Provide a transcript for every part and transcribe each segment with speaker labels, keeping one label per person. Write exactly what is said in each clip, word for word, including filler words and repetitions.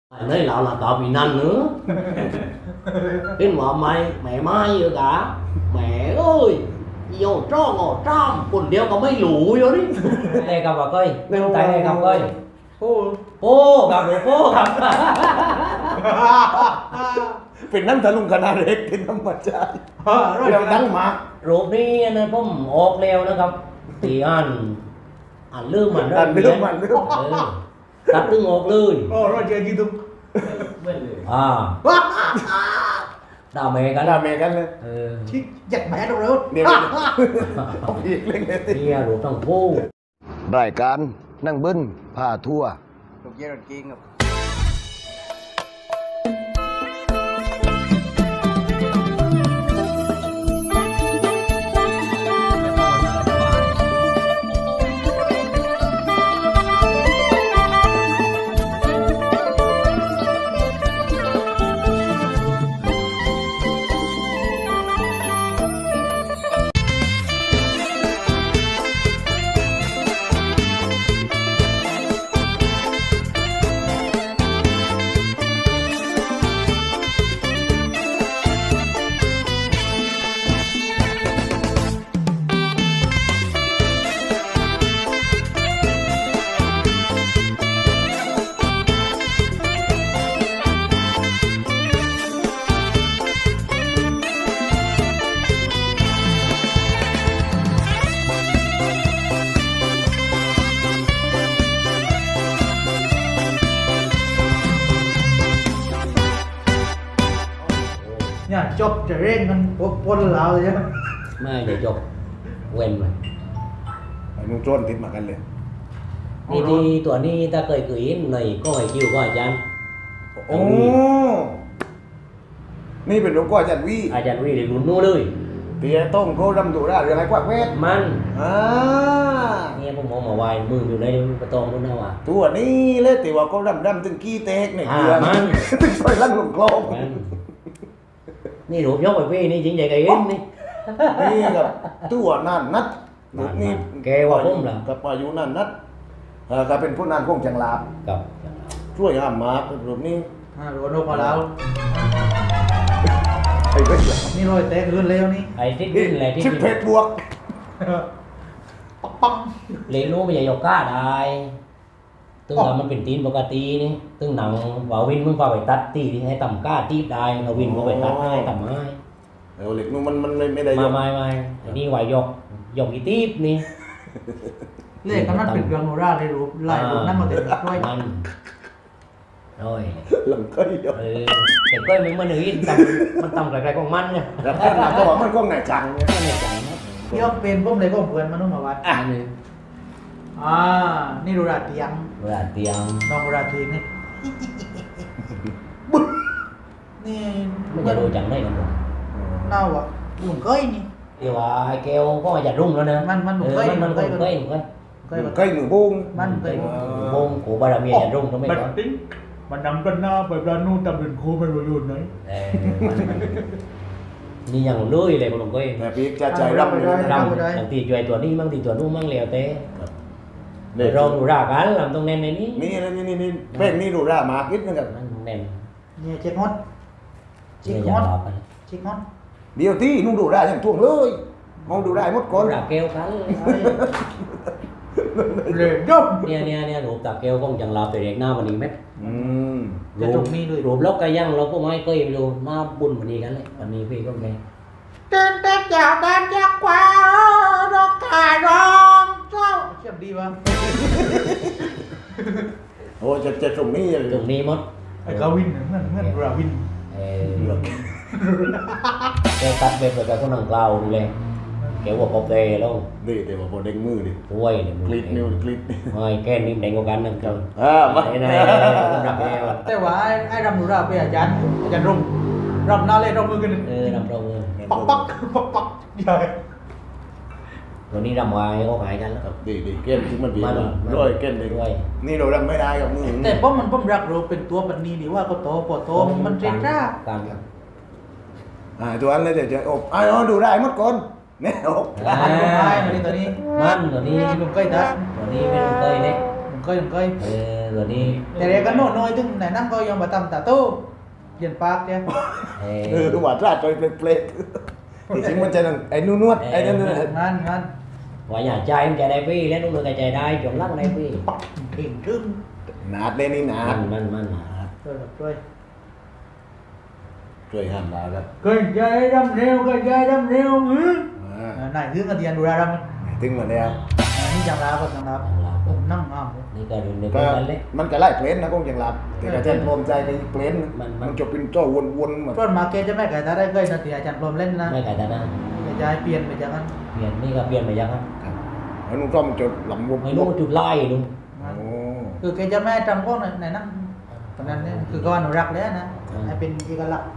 Speaker 1: Nói lão là tao bị năn nữa. Đến mà mày, mẹ mai rồi cả. Mẹ ơi, vô cho ngồi trăm, quần đeo có mấy lũ vô đi. Đây gặp bà coi, bên tay này gặp coi. Ô, ô, gặp được ô, gặp.
Speaker 2: เป็นนั่นทะลุงคณะเล็กเป็นธรรมชาติเรื่องดังมาก
Speaker 1: รูปนี้นะผมออกแล้วนะครับตีอันอ่านลืมมัน
Speaker 2: อันเรื่องมันเรื่อง
Speaker 1: เออตัดตึงออกเลย
Speaker 2: โอ้เราเจอกี่ตุ้ม
Speaker 1: อ่าด่าแม่กัน
Speaker 2: ด่าแม่กันเลย
Speaker 1: เออ
Speaker 3: Chứ giật mẹ đâu rồi.
Speaker 2: เดี๋ยวเอาอีกเรื่องนี้
Speaker 1: เนี่ยรูปทั้งคู่
Speaker 2: รายการนั่งบึ้นพาทั่ว
Speaker 3: Được giai đoạn kia ngập. เนี่ยจบจะเร่งกันปนแล้วใช่ไหม
Speaker 1: ไม่เดี๋ยวจบเว้นมัน
Speaker 2: ไอ้นุ่งโจนติดมากันเลย
Speaker 1: นี่ที่ตัวนี้ถ้าเคยเคยเห็นในก็ให้คิวก็อาจารย์
Speaker 2: โอ้นี่เป็นหลวงพ่ออาจารย์วี
Speaker 1: อาจารย์วีเด็กรุ่นนู้นเลย
Speaker 2: เตียต้มโคดำดุราเรื่องอะไรกว่าเวท
Speaker 1: มัน
Speaker 2: อ่า
Speaker 1: เนี่ยผมมองมาไว้มืออยู่ในประตองนู้นนะวะ
Speaker 2: ตัวนี้เลยแต่ว่าเขาดำดำถึงกี้เตกเนี่ย
Speaker 1: อ่า
Speaker 2: เดือน
Speaker 1: มัน
Speaker 2: ถึงซอยลั่นหลงโลง
Speaker 1: มันนี่รูปยกไปพี่นี่จริงใจกับเอ็นนี่
Speaker 2: นี่กับตัวนั่นนัดลูกนี่
Speaker 1: แกว่าผมเหรอ
Speaker 2: กับอายุนั่นนัดเออก็เป็นผู้นั้นคงจังลาบ
Speaker 1: กับ
Speaker 2: ช่วยห้ามมารูปนี้
Speaker 3: อ่าโดนโดนพอแล้ว
Speaker 2: ไอ้เว้ย
Speaker 3: นี่รอยแตกขึ้นเร็วนี่
Speaker 1: ไอ้ที่ดินอะไรที่
Speaker 2: ชิป
Speaker 1: ดิน
Speaker 2: เพชรบวก
Speaker 3: ปักปัง
Speaker 1: เลี้ยงรู้ไม่ใช่ยกก้าได้ตึงทำมันเป็นตีนปกตินี่ตึงหนังว่าวินมึงพาไปตัดตีที่ให้ต่ำก้าตีบได้เราวินมึงไปตัดให้ต่ำให้
Speaker 2: เออเหล็กนู้นมันมันไม่ได้ย
Speaker 1: มาก ไม่ไม่อันนี้ว่ายกยกอีตีบนี่
Speaker 3: เลขกันนั่นเป็นเรื่องโนราเลยรู้ไล่รูปนั่นมาเต็มด้วย
Speaker 1: มันโอ้ย
Speaker 2: หลังก็เดียว
Speaker 1: เออแต่ก็มึงมันหนึ่งต่ำมันต่ำไกลๆของมันเนี่ย
Speaker 2: แล้วแค่หนักก็บอกมันก็ไหนจังเนี่ย
Speaker 1: ไม่ในใจนะ
Speaker 3: เที่ยวเป็นพวกเลยพวกเพื่อนมานุ่มมาวัด
Speaker 1: อันนี้
Speaker 3: อ่านี่ดูราเตียง
Speaker 1: เวลาเตียง
Speaker 3: น้องดูราเตียงนี่นี่
Speaker 1: ไม่จะดูจังได้กันหรอก
Speaker 3: เน่าอ่ะหนุ่มก้อยนี่
Speaker 1: เดี๋ยวว่าไอ้แก้วก็มาจัดรุ่งแล้วนะ
Speaker 3: มันมันหนุ่
Speaker 1: เอ
Speaker 3: ม
Speaker 1: อ
Speaker 3: ก้อย
Speaker 1: มันมัน
Speaker 3: ห
Speaker 1: ก็
Speaker 3: นุ่ม
Speaker 1: เค
Speaker 3: ก้อย
Speaker 1: ยเคย
Speaker 3: ก้อย
Speaker 2: ใกล้หนูบุ้ง
Speaker 3: มันเคย
Speaker 1: วงกูบารมีจัดรุ่งก็ไม่ก่อน
Speaker 4: tính mà nằm bên na bởi ra nu tầm đến khu bên rồi luôn đấy
Speaker 1: เออนี่ยังเลื่อยเลยมันลงก็เอง
Speaker 2: แต่พี่จะใจรำเลย
Speaker 1: รำบางทีช่วยตัวนี้บางทีตัวนู้นบางเหลวเต้
Speaker 2: นี่
Speaker 1: เราดูรากันลำตรงแน่นในนี้
Speaker 2: นี่นี่นี่นี่แป้งนี่ดูร่ามาคิดนึงกัน
Speaker 1: มันแน่น
Speaker 3: เนี่ยเช็คฮอตเช็ค
Speaker 1: ไม่
Speaker 3: ฮ
Speaker 1: อยา
Speaker 3: อก ต
Speaker 1: ตอบกัน
Speaker 3: เช็คฮอต
Speaker 2: เดี๋ยวที่นุ่งดูร่าอย่างท่วงเลยมองดูร่าหมดก่อน
Speaker 1: ราเกลกัน
Speaker 3: เลยยก
Speaker 1: เนี่ยเนี่ยเนี่ยรูปตาเกลคงจังลาตัวเด็กหน้าวันนี้ไหม
Speaker 2: อืม
Speaker 3: จะถูกมีด้วย
Speaker 1: รูปลกก็ยังเราก็ไม่เคยดูหน้าบุญวันนี้กันเลยวันนี้พี่ก็แม่
Speaker 3: เต้นเต้นจากด้านจากขวารกขาร้องเจ้าเชื่อมดีวะ
Speaker 2: โอ้จะจะตรงนี้
Speaker 1: ตรงนี้มด
Speaker 4: ไอ้กาวินเนี่ยเหมือนเหมือนราวิน
Speaker 1: เออแกตัดไปเปิดกับคนนังกล่าวดูเลยแกว่าปอบเตะแล้ว
Speaker 2: นี่แต่ว่าพอเด้งมือดิ
Speaker 1: ถ้วยเนี่ย
Speaker 2: คลิปนิ้วคลิปนี่
Speaker 1: ไม่แก้นิ่มแดงกว่ากันนั่นครับ
Speaker 2: อ่ามา
Speaker 1: ไอ้นายคนรักแก้ว
Speaker 3: แต่ว่าไอ้ไอ้รำดูราเป็นอาจารย์อาจารย์รุ่งรำหน้าเล่นรำมือกัน
Speaker 1: เออรำตรง
Speaker 3: ปักปักปักปักใหญ่
Speaker 1: วันนี้รำวายก็หายกันแล้ว
Speaker 2: ครับดีดีเก้นที่มันดี
Speaker 1: มัน
Speaker 2: ร้อยเก้นเลย
Speaker 1: ด้วย
Speaker 2: นี่เราทำไม่ได้กับมือ
Speaker 3: แต่เพราะมันผมรักเราเป็นตัวปันนี้ดีว่าก็โตพอโตมันเทรนร่า
Speaker 1: การ
Speaker 2: อ่าตัวนั้นเลยเดี๋ยวจะอบอ่าดูได้หมดก่อนเนี่ยอบ
Speaker 3: อ่าตัวนี้ตัวนี้
Speaker 1: มันตัวนี้
Speaker 3: นี่ลุงก้อยนะ
Speaker 1: ตัวนี้ไม่รู้เคยเนี่ย
Speaker 3: ลยังเคยยังเคย
Speaker 1: เออตัวนี้
Speaker 3: แต่เด็กก็โน่นน้อยถึงไหนนั่งก็ยอมมาทำตาโต้เย็นปากเนี่ย
Speaker 1: เอ
Speaker 2: เออ
Speaker 1: อ
Speaker 2: หวานราดจอยเปลกๆที่จริงมันจะนั่นไอ้นู่นนวดไอ้นั่นนั่น
Speaker 3: งานงาน
Speaker 1: ว่าnhà trai em chạy đây phi lấy đúng được cái chạy đây chuẩn lắc đây phi
Speaker 3: เก่งทึ่ง
Speaker 2: หนาดเลยนี่หนาด
Speaker 1: มันมันมัน
Speaker 3: ช่วยช่วย
Speaker 2: ช่วยห้ามดาวครับ
Speaker 4: cái dây đâm rêu cái dây đâm rêu ừ.
Speaker 2: อ่า
Speaker 3: ไหนทึ่งกันเดียนดูแลเราไหม
Speaker 2: ตึงมาแล้ว
Speaker 3: นี่จังลาคนจังลาผมนั่งงามเลย
Speaker 1: นี่ก็ดูนี่
Speaker 2: ก็
Speaker 1: ก็มันเล็ก
Speaker 2: มันก็ไล่เพลนนะคงจังหลับแต่กระเทียมพรมใจไปเพลน
Speaker 1: มันมัน
Speaker 2: มันจะเป็นจ้อวนๆเหมือน
Speaker 3: ต้นมาเกจะไม่ไก่ตาได้เคยนาทีอาจารย์พรมเล่นนะ
Speaker 1: ไม่ไก่ตานะ
Speaker 3: จะย้ายเปลี่ยนไปจากนั้น
Speaker 1: เปลี่ยนนี่ก็เปลี่ยนไปยังครับ
Speaker 2: ครับแล้วนุ่งต้อมจะหลังวบ
Speaker 1: ไม่รู้จุดไล่ลุง
Speaker 2: โอ้
Speaker 3: คือแกจะไม่จำพวกไหนนั่งตอนนั้นเนี่ยคือก็อนุรักษ์แล้วนะให้เป็นเอกลักษณ์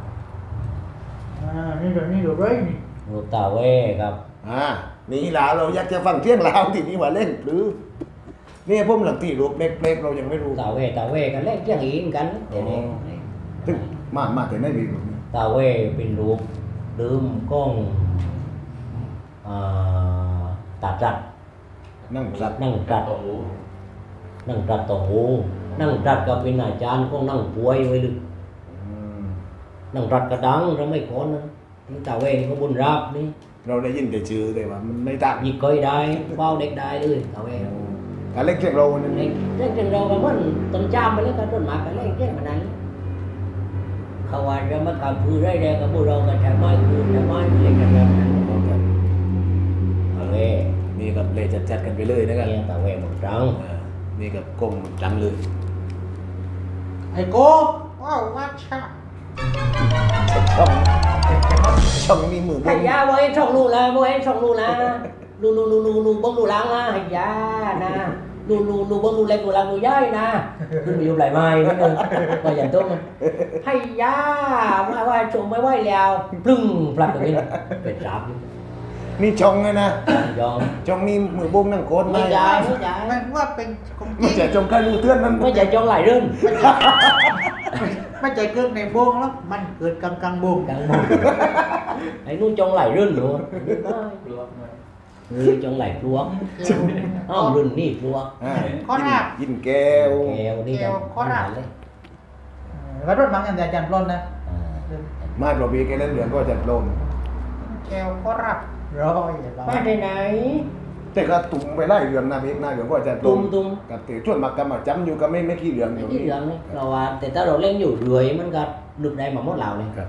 Speaker 4: àนี่เดี๋ยวนี่เดี๋ยวđấyนี่
Speaker 1: รูปตาเว่ครับ
Speaker 2: อ่านี่ลาวเราอยากจะฟังเที่ยงลาวที่นี่ว่าเล่นหรือนี่ผมหลังที่รูปเล็กๆเรายังไม่รู้
Speaker 1: ตาเว่ตาเว่กันเล่นเรื่องอีกกันเดี๋ยวนี้
Speaker 2: ซึ่งมามาแต่ไม่มีรูป
Speaker 1: ตาเว่เป็นรูปดื่มกล้องอ่าตาจัด
Speaker 2: นั่งสัตว์
Speaker 1: นั่งจัดนั่งจัดต่อหูนั่งจัดก็เป็นอาจารย์ของนั่งป่วยไว้ลึก
Speaker 2: อืม
Speaker 1: นั่งจัดกระดังเราไม่ขอนะที่ตาเว่นี่ก็บุญรับนี่
Speaker 2: เราได้ยินแต่ชื่อแต่ว่ามันไม่ต่าง
Speaker 1: หยิบก้อยได้เป้าเด็กได้เลยตาเว่
Speaker 2: การเล่นเที่ยงเราเนี่ย
Speaker 1: เด็กเด็กจังเราก็มันต้นจามไปแล้วก็ต้นหมากก็เล่นเก่งขนาดนั้นเขาว่าจะมาทำพื้นได้แดงกับพวกเราก็ใช้ไม้พื้นใช้ไม้เล่นกันแบบนั้นตาเว่
Speaker 2: นี่กับเลยจัดๆกันไปเลยนะครับ
Speaker 1: เนี่ยตาเว่หมดจัง
Speaker 2: อ่านี่กับกลมจังเลย
Speaker 3: ไอ้โก้
Speaker 5: ว้าวว่าชา
Speaker 2: ช่องช่องมีมือ
Speaker 1: hay da bố em xong luôn là bố em xong luôn là lu lu lu lu lu bông lu lăng là hay da nè lu lu lu bông lu lên lu lăng lu dây nè lu bị lại mai mới được mà dành tốt hay da mai mai trộm mai quay lèo plưng phật được đi phải sạp
Speaker 2: นี่ช่องไงนะ
Speaker 1: do
Speaker 2: ช่องนี้มือบุ้งนั่งโคตร
Speaker 1: mới dài mới
Speaker 3: แม่
Speaker 1: dài
Speaker 3: งว่าเป็นของจ
Speaker 2: ไม่
Speaker 3: ริง
Speaker 2: ใช่ช่องการมือเตือนมัน
Speaker 1: mới dài cho lại rên
Speaker 3: ไม่ใจเกินในโบงแล้วมันเกิดกลางกลางโบง
Speaker 1: căng mồm ấy nuôi trong lại rên luôn nuôi trong lại luộc không rên đi luộc
Speaker 2: อ่า
Speaker 3: ข้อหน้า
Speaker 2: ยินแก้ว
Speaker 1: kèo đi
Speaker 3: Kèo,
Speaker 1: đâu
Speaker 3: có rạp.
Speaker 1: đấy
Speaker 3: ก็รถมังอย่างแต่อาจารย์พรมนะ
Speaker 1: à.
Speaker 2: มาปลอบีแกเล่นเหลืองก็จะลม
Speaker 3: แก้วก็รับร้อยเรา
Speaker 1: ba đây này
Speaker 2: แต่ก็ตุ่มไปไล่เหลืองนะพี่หน้าเหลืองก็จะลม
Speaker 1: tung tung
Speaker 2: กับเตะชวนมากำมาจำอยู่ก็ไม่ไม่ขี้เหลืองอยู่
Speaker 1: cái gì này rồi à thì tao rồi lên nhiều rưỡiมันก็ดึกได้มาหมดเหล่าเลย
Speaker 2: ครับ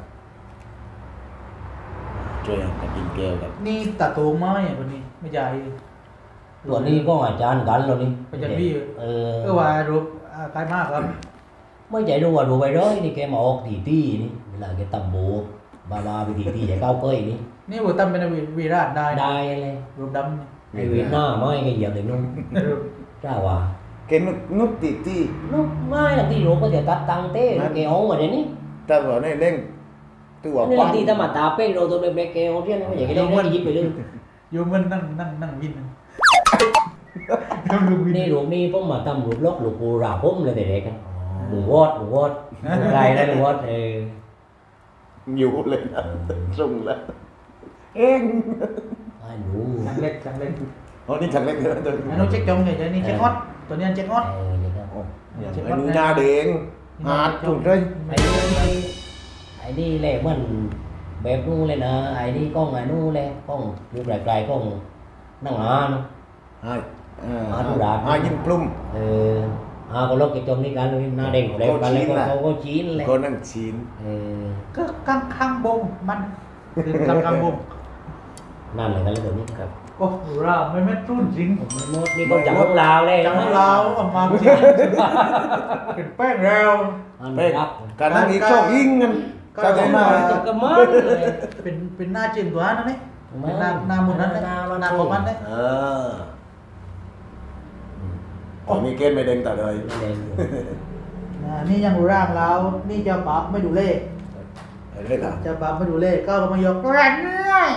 Speaker 2: ช่วยกับยินแก้วกับ
Speaker 3: นี่ตาโตมาอย่างคนนี้ไม่ใหญ่
Speaker 1: ตัวนี้ก็อาจารย์กันแล้วนี่
Speaker 3: อาจารย์บี้
Speaker 1: เออ
Speaker 3: ก็ว่ารูปใครมากครับ
Speaker 1: mới chạy đua đua bài đó thì cái một thì ti đi là cái tầm bộ ba ba thì ti chạy cao cây đi
Speaker 3: นี่บุตรเป็นวีราชได้
Speaker 1: đai lên
Speaker 3: รูปดำนี่
Speaker 1: hay Việt Nam mới cái giờ thì nó ra hòa
Speaker 2: เกนุดนุดตีตี
Speaker 1: nó mai là ti rồi có thể tắt tăng thế cái ống mà đến đi
Speaker 2: แต่ว่าในเล่งตัว
Speaker 1: nên
Speaker 2: ปั้
Speaker 1: là
Speaker 2: ม
Speaker 1: ti ta mà tà pe rồi tôi đem cái ống riêng nó vậy cái đấy nó dính về lưng
Speaker 3: โยมมันนั่งนั่งนั่งวิน
Speaker 1: นี่รูปนี้ผมมาทำรูปล็อกรูปปูราผมเลยแต่เด็กลุงวอดลุงวอดไรนะลุงวอดเออ
Speaker 2: อยู่เลยนะส่งแล้วเอง
Speaker 1: ไอ้หนู
Speaker 3: จังเล็กจังเล็ก
Speaker 2: อ๋อนี่ฉันเล็กเลยนะตัวนี้
Speaker 3: อันนู้นเช็คจงใหญ่ๆนี่เช็คฮอตตัวนี้เช็คฮอต
Speaker 1: เออนี่ครับ
Speaker 2: โอ้ไอ้หนูหน้าเด้งหาดจุดเลย
Speaker 1: ไอ้นี่ไอ้นี่แหละมันแบบนู้นเลยนะไอ้นี่กล้องไอ้นู้นเลยกล้องรูปไกลๆกล้องนั่งอ่าน
Speaker 2: ใช่อ่า
Speaker 1: หาดูดาด
Speaker 2: หายินปลุ่ม
Speaker 1: เอออ่าก็ล็อกcái trongนี้กันเลยหน้าเด้งเร็วกันเลยเขาก็ชี้เลย
Speaker 2: ก็นั่งชีน
Speaker 1: เออ
Speaker 3: ก็กลางข้างบงมันคือกลางข้างบง
Speaker 1: นั่นเลยกันเลยตัวนี้ครับ
Speaker 3: โอ้ราไม่แม่ตุ้นจริง
Speaker 1: มันหมดนี่ก็จับของลาวเลย
Speaker 3: จังเราเอามาจริงเป็นแป้งแล้ว
Speaker 1: อัน
Speaker 2: ไป
Speaker 1: รับ
Speaker 2: การนั่งอีกช่องยิงกันก็จะมา
Speaker 1: จับกระมังเลย
Speaker 3: เป็นเป็นหน้าจีนตัวนั้นนี่เป็นหน้าหน้ามุนนั้นนะหน้าของมันเนี่ย
Speaker 2: เอออ๋อมีเกณฑ์ไม่เด้งแต่เลย
Speaker 1: เด้ง
Speaker 3: นี่ยังร่างเรานี่เจ้าปั๊บไม่ดูเลข
Speaker 2: เอะไรล่ะ
Speaker 3: เจ้าปั๊บไม่ดูเลขก็มายก
Speaker 5: ตัวแรงเงื่อย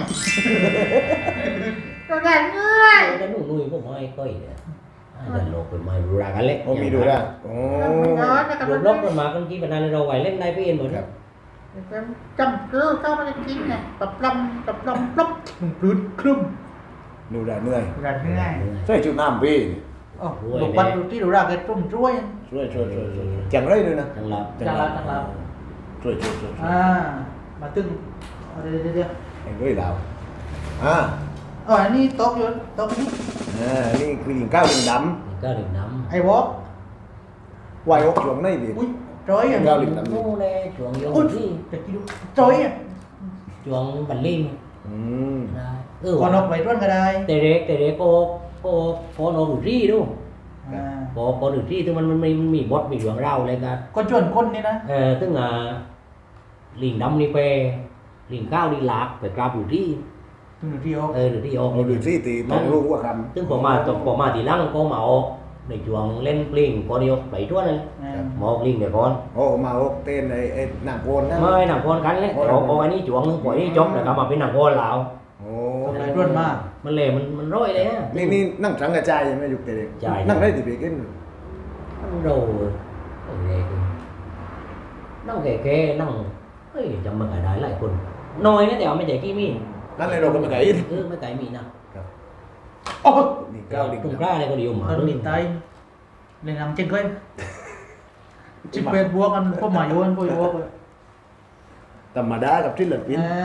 Speaker 5: ตัวแรงเงื่อย
Speaker 1: cái nụ nuôi của mai coi nè là lột rồi mai ra cái lét
Speaker 2: โอ้มีดูได้โอ้
Speaker 5: ร้อนนะครับ
Speaker 1: lột lót rồi mà con chỉ bên này rồi quay lên đây với yên rồi
Speaker 2: ครั
Speaker 1: đó
Speaker 2: บ
Speaker 5: จำคือเข้ามาจะกินเนี่ยปรับลำปรับลำปลุก
Speaker 3: ปลื้ดครึ่ม
Speaker 2: ดูได้เหนื่อย
Speaker 3: กันง่าย
Speaker 2: ใช่จุดน้ำพี่
Speaker 1: ừ
Speaker 5: โอ้ลูกปัดดูที่ดูราเกตรุ่มช่วย
Speaker 2: ช่วยช่วยช่วยช่วยจังไรด้วยนะ
Speaker 1: จังหลับ
Speaker 5: จังหลับจังหลับ
Speaker 2: ช่วยช่วยช่วยช่วย
Speaker 5: อ่ามาตึงเอาเดี๋ยวเดี๋ยวเดี๋ยว
Speaker 2: ไอ้ด้วยเราอ่า
Speaker 5: อ๋ออันนี้โต๊ะอยู่โต๊ะนี้
Speaker 2: อ่านี่คือลิงก้าวลิงด
Speaker 1: นี่ก็ดื่มน้
Speaker 5: ไอ้วอล์ก
Speaker 2: ำวายอกช่วงไหนดิ
Speaker 5: อุ้ยจอยอ่ะ
Speaker 2: เก้าลิง
Speaker 1: ำ
Speaker 2: ดำ
Speaker 1: นู่นเลยช่วงโย
Speaker 5: อุ้ย
Speaker 1: ที่
Speaker 5: จะกินดูจอยอ่ะ
Speaker 1: ช่วงบันลิง
Speaker 2: อืม
Speaker 1: ได้เออ
Speaker 5: ก่อนออกไปร่วนก็ได้
Speaker 1: แต่เด็กแต่เด็กโกโกโกโนดูที่ดู
Speaker 5: อ่า
Speaker 1: โกโกดูที่ถึงมันมันมีมันมีบทมีเรื่องเล่าอะไรกัน
Speaker 5: ก็ชวนคนนี่นะ
Speaker 1: เออถึงอ่ะลิงดำนี่ไปลิงก้าวนี่หลากไปกราบอยู่ที่
Speaker 5: ถึงที่ออก
Speaker 1: เออหรือที่ออก
Speaker 2: เราดูซี่ตีต้องรู้ว่าค
Speaker 1: ซึ่งผมมาตกผมมาทีหลังก็มาออกในช่วงเล่นปลิงก็เดียวไปทั่วเลย
Speaker 5: อ่า
Speaker 1: มาออกลิงเดี๋ยวก่อน
Speaker 2: ำโอ้มาอกเต้นไอ้ไอ้หนังโกนนะ
Speaker 1: ไม่หนังโคนกันเลยแต่ออกออกอันนี้ช่วงนึงปล่อยนี่จบแล้วก็มาเป็นหนังโคนแล้ว
Speaker 2: โอ้
Speaker 5: ก็ไปร่วนมาก
Speaker 1: มันเลยมันมันร้อยเลยฮะ
Speaker 2: นี่นี่นั่งสังกระจายยังไม่ยุกเด็ก
Speaker 1: จ่าย
Speaker 2: นั่งได้ติดไปกิน
Speaker 1: มันโดนโอเคนั่งแก่ๆนั่งเฮ้ยจำมันก็ได้หลายคนน้อยนะแต่ว่าไม่ใช่กี่มี
Speaker 2: นั่นเลยเราก็ไม่ไก่
Speaker 1: เออไม่ไก่มีนะ
Speaker 5: โอ้
Speaker 2: ลิงก้าวลิง
Speaker 1: ตรง
Speaker 2: ดำ
Speaker 1: กล้าอะไรก็เดียวมา
Speaker 5: ตอนนี้ตายเลยนำเจงก้อยจิบเป็ดบวกกันพวกหมาโยนพวกโยกเลย
Speaker 2: ธรรมดากับที่หลังปิน
Speaker 5: อ่า